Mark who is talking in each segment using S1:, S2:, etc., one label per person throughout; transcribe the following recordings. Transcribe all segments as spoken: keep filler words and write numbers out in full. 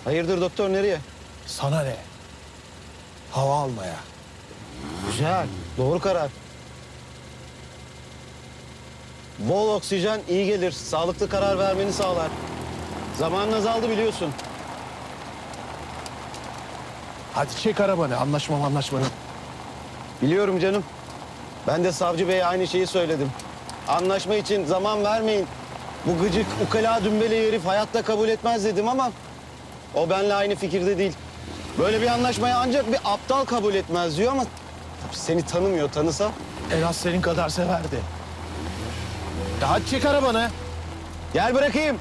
S1: Hayırdır doktor, nereye?
S2: Sana ne? Hava almaya.
S1: Güzel, doğru karar. Bol oksijen iyi gelir, sağlıklı karar vermeni sağlar. Zamanın azaldı biliyorsun.
S2: Hadi çek arabanı. Anlaşma anlaşmanı.
S1: Biliyorum canım. Ben de savcı beye aynı şeyi söyledim. Anlaşma için zaman vermeyin. Bu gıcık, ukala, dümbeli herif hayatta kabul etmez dedim ama... ...o benimle aynı fikirde değil. Böyle bir anlaşmayı ancak bir aptal kabul etmez diyor ama... ...seni tanımıyor, tanısa...
S2: En az senin kadar severdi. Ya hadi çek arabanı.
S1: Gel bırakayım.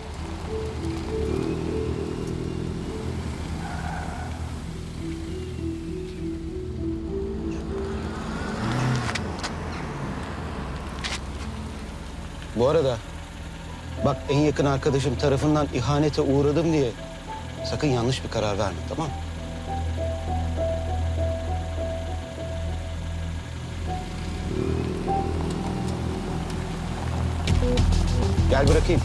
S1: Bu arada bak, en yakın arkadaşım tarafından ihanete uğradım diye sakın yanlış bir karar verme, tamam mı? Gel bırakayım.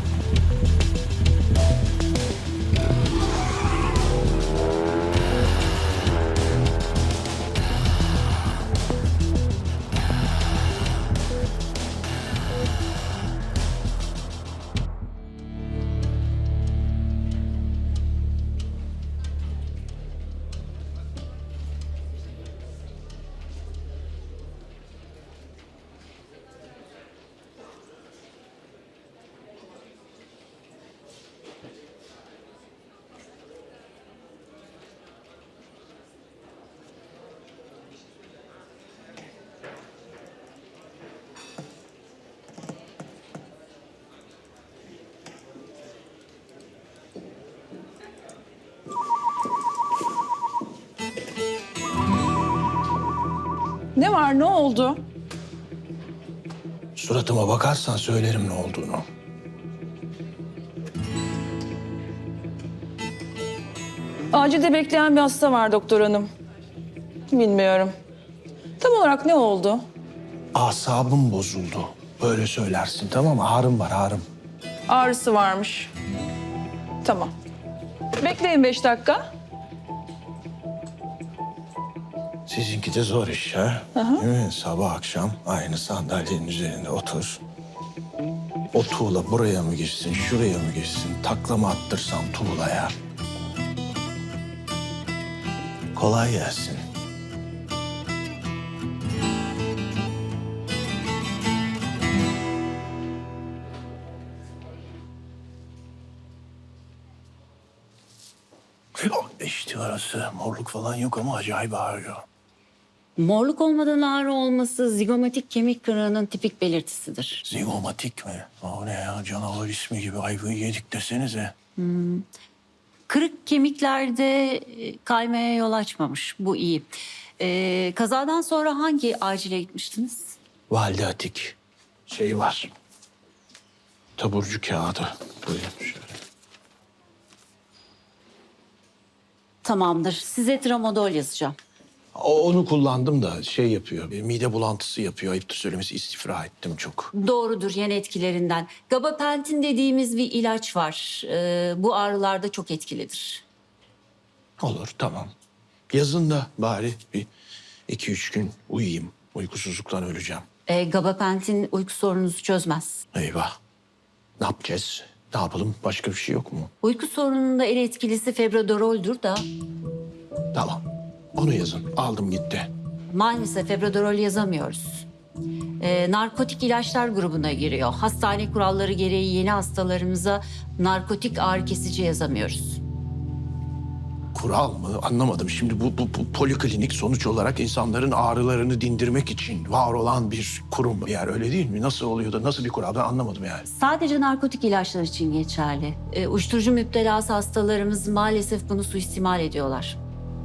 S3: Ne var, ne oldu?
S2: Suratıma bakarsan söylerim ne olduğunu.
S3: Acilde bekleyen bir hasta var doktor hanım. Bilmiyorum. Tam olarak ne oldu?
S2: Asabım bozuldu. Böyle söylersin, tamam mı? Ağrım var, ağrım.
S3: Ağrısı varmış. Tamam. Bekleyin beş dakika.
S2: Sizinki de zor iş ha. Değil mi? Sabah akşam aynı sandalyenin üzerinde otur. O tuğla buraya mı geçsin, şuraya mı geçsin? Takla mı attırsam tuğlaya? Kolay gelsin. İşte orası. Morluk falan yok ama acayip ağrıyor.
S4: Morluk olmadan ağrı olması zigomatik kemik kırığının tipik belirtisidir.
S2: Zigomatik mi? O ne ya? Canavar ismi gibi ayvayı yedik desenize.
S4: Kırık kemiklerde e, kaymaya yol açmamış. Bu iyi. Ee, kazadan sonra hangi acile gitmiştiniz?
S2: Valide Atik. Şey var. Taburcu kağıdı. Buyurun şöyle.
S4: Tamamdır. Size tramadol yazacağım.
S2: O, onu kullandım da şey yapıyor. bir Mide bulantısı yapıyor. Ayıptır söylemesi, istifra ettim çok.
S4: Doğrudur, yan etkilerinden. Gabapentin dediğimiz bir ilaç var. Ee, bu ağrılarda çok etkilidir.
S2: Olur, tamam. Yazın da bari bir iki üç gün uyuyayım. Uykusuzluktan öleceğim.
S4: Ee, gabapentin uyku sorununuzu çözmez.
S2: Eyvah. Ne yapacağız? Ne yapalım? Başka bir şey yok mu?
S4: Uyku sorununda en etkilisi febrodoroldür da
S2: Tamam. Onu yazın. Aldım gitti.
S4: maalesef febrodorol yazamıyoruz. Ee, narkotik ilaçlar grubuna giriyor. Hastane kuralları gereği yeni hastalarımıza narkotik ağrı kesici yazamıyoruz.
S2: Kural mı? Anlamadım. Şimdi bu, bu, bu poliklinik sonuç olarak insanların ağrılarını dindirmek için var olan bir kurum. Yani öyle değil mi? Nasıl oluyor da nasıl bir kural? Ben anlamadım yani.
S4: Sadece narkotik ilaçlar için geçerli. Ee, uyuşturucu müptelası hastalarımız maalesef bunu suistimal ediyorlar.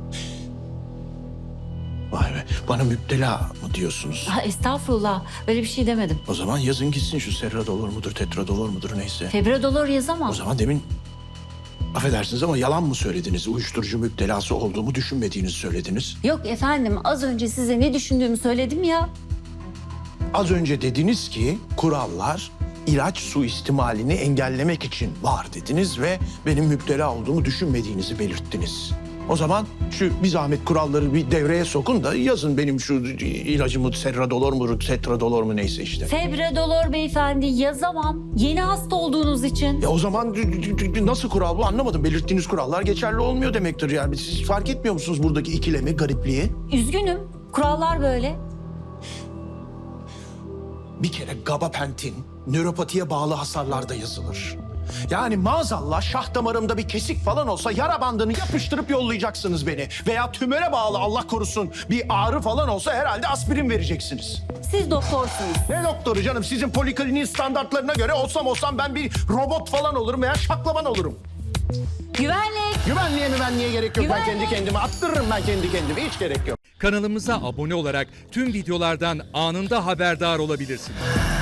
S2: Vay be. Bana müptela mı diyorsunuz?
S4: Ha, estağfurullah, öyle bir şey demedim.
S2: O zaman yazın gitsin şu serradolor mudur, tetradolor mudur neyse.
S4: Febrodolor yazamam.
S2: O zaman demin affedersiniz ama yalan mı söylediniz? Uyuşturucu müptelası olduğumu düşünmediğinizi söylediniz.
S4: Yok efendim, az önce size ne düşündüğümü söyledim ya.
S2: Az önce dediniz ki kurallar ilaç suistimalini engellemek için var dediniz ve benim müptela olduğumu düşünmediğinizi belirttiniz. O zaman şu bir zahmet kuralları bir devreye sokun da yazın benim şu ilacımı serradolor mu, tetradolor mu neyse işte.
S4: Febredolor beyefendi yazamam. Yeni hasta olduğunuz için.
S2: Ya o zaman nasıl kural bu anlamadım. Belirttiğiniz kurallar geçerli olmuyor demektir yani. Siz fark etmiyor musunuz buradaki ikilemi, garipliği?
S4: Üzgünüm. Kurallar böyle.
S2: Bir kere gabapentin nöropatiye bağlı hasarlarda yazılır. Yani maazallah şah damarımda bir kesik falan olsa yara bandını yapıştırıp yollayacaksınız beni. Veya tümöre bağlı Allah korusun bir ağrı falan olsa herhalde aspirin vereceksiniz.
S4: Siz doktorsunuz.
S2: Ne doktoru canım? Sizin polikliniğin standartlarına göre olsam olsam ben bir robot falan olurum veya şaklaban olurum.
S4: Güvenlik.
S2: Güvenliğe müvenliğe gerek yok. Ben
S4: Güvenlik.
S2: kendi kendime attırırım ben kendi kendime. Hiç gerek yok.
S5: Kanalımıza abone olarak tüm videolardan anında haberdar olabilirsiniz.